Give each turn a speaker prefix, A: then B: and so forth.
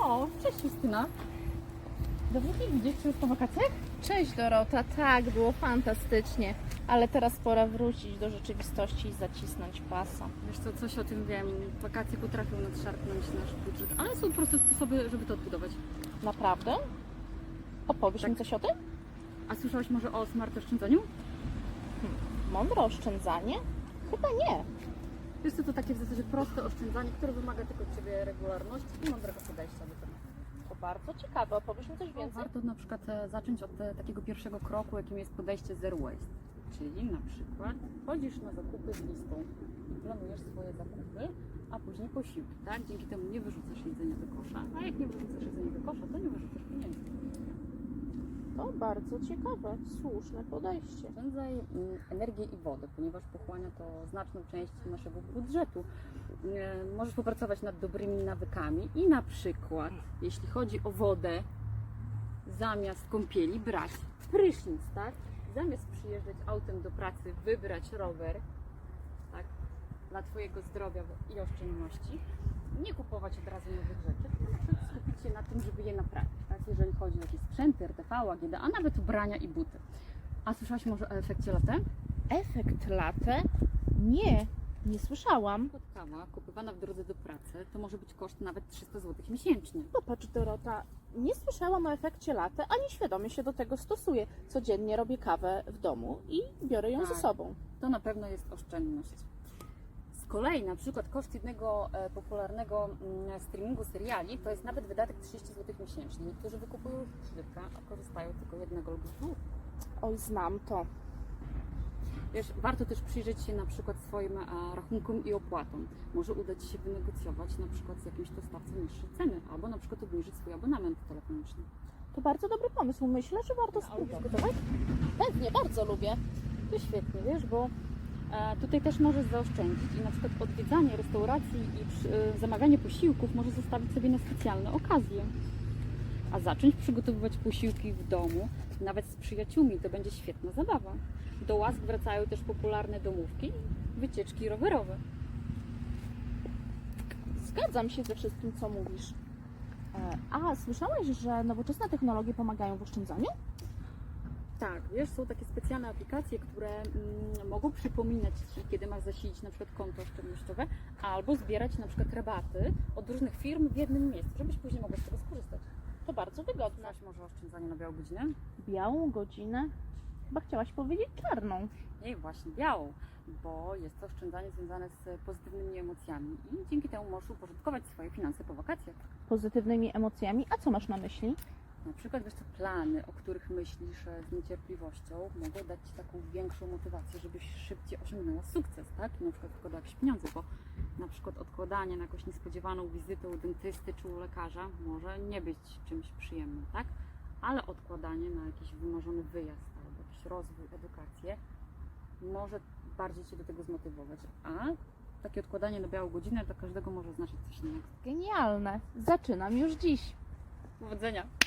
A: O, cześć Justyna. Dobrze Cię widzieć, czy już po wakacjach?
B: Cześć Dorota, tak, było fantastycznie, ale teraz pora wrócić do rzeczywistości i zacisnąć pasa.
A: Wiesz co, coś o tym wiem. Wakacje potrafią nadszarpnąć nasz budżet, ale są proste sposoby, żeby to odbudować.
B: Naprawdę? Opowiesz
A: Tak.
B: mi coś o tym?
A: A słyszałaś może o smart oszczędzaniu?
B: Mądre oszczędzanie? Chyba nie.
A: Wiesz co, to takie w zasadzie proste oszczędzanie, które wymaga tylko od Ciebie regularności i mądrego podejścia do tego.
B: To bardzo ciekawe, opowiesz mi coś więcej?
A: Warto na przykład zacząć od takiego pierwszego kroku, jakim jest podejście zero waste. Czyli na przykład chodzisz na zakupy z listą i planujesz swoje zakupy, a później posiłki, tak? Dzięki temu nie wyrzucasz jedzenia do kosza, a jak nie wyrzucasz jedzenia do kosza, to nie wyrzucasz pieniędzy.
B: To bardzo ciekawe, słuszne podejście.
A: Oszczędzaj energię i wodę, ponieważ pochłania to znaczną część naszego budżetu. Możesz popracować nad dobrymi nawykami i na przykład, jeśli chodzi o wodę, zamiast kąpieli brać prysznic, tak? Zamiast przyjeżdżać autem do pracy, wybrać rower, tak? Dla Twojego zdrowia i oszczędności. Nie kupować od razu nowych rzeczy, tylko na przykład skupić się na tym, żeby je naprawić, tak? Jeżeli chodzi o jakieś sprzęty, RTV, AGD, a nawet ubrania i buty. A słyszałaś może o efekcie latte?
B: Efekt latte? Nie słyszałam.
A: Kawa kupowana w drodze do pracy to może być koszt nawet 300 zł miesięcznie.
B: Popatrz Dorota, nie słyszałam o efekcie latte, ani świadomie się do tego stosuję. Codziennie robię kawę w domu i biorę ją ze
A: Tak.
B: sobą.
A: To na pewno jest oszczędność. Z kolei na przykład koszt jednego popularnego streamingu seriali to jest nawet wydatek 30 zł miesięcznie. Niektórzy wykupują ich kilka, a korzystają tylko jednego lub dwóch.
B: Oj, znam to.
A: Wiesz, warto też przyjrzeć się na przykład swoim rachunkom i opłatom. Może uda Ci się wynegocjować na przykład z jakimś dostawcą niższe ceny, albo na przykład obniżyć swój abonament telefoniczny.
B: To bardzo dobry pomysł. Myślę, że warto spróbować.
A: gotować?
B: Pewnie, bardzo lubię.
A: To świetnie, wiesz, bo tutaj też możesz zaoszczędzić i na przykład odwiedzanie restauracji i zamawianie posiłków może zostawić sobie na specjalne okazje. A zacząć przygotowywać posiłki w domu, nawet z przyjaciółmi, to będzie świetna zabawa. Do łask wracają też popularne domówki i wycieczki rowerowe.
B: Zgadzam się ze wszystkim, co mówisz. A słyszałaś, że nowoczesne technologie pomagają w oszczędzaniu?
A: Tak, wiesz, są takie specjalne aplikacje, które mogą przypominać Ci, kiedy masz zasilić na przykład konto oszczędnościowe, albo zbierać na przykład rabaty od różnych firm w jednym miejscu, żebyś później mogła z tego skorzystać.
B: To bardzo wygodne.
A: Znasz może oszczędzanie na białą godzinę?
B: Białą godzinę? Chyba chciałaś powiedzieć czarną.
A: Nie, właśnie białą, bo jest to oszczędzanie związane z pozytywnymi emocjami i dzięki temu możesz uporządkować swoje finanse po wakacjach.
B: Pozytywnymi emocjami. A co masz na myśli?
A: Na przykład, wiesz, to plany, o których myślisz z niecierpliwością, mogą dać Ci taką większą motywację, żebyś szybciej osiągnęła sukces, tak? I na przykład odkładała jakieś pieniądze, bo na przykład odkładanie na jakąś niespodziewaną wizytę u dentysty czy u lekarza może nie być czymś przyjemnym, tak? Ale odkładanie na jakiś wymarzony wyjazd albo jakiś rozwój, edukację może bardziej Cię do tego zmotywować, a takie odkładanie na białą godzinę dla każdego może znaczyć coś innego.
B: Genialne. Zaczynam już dziś.
A: Powodzenia!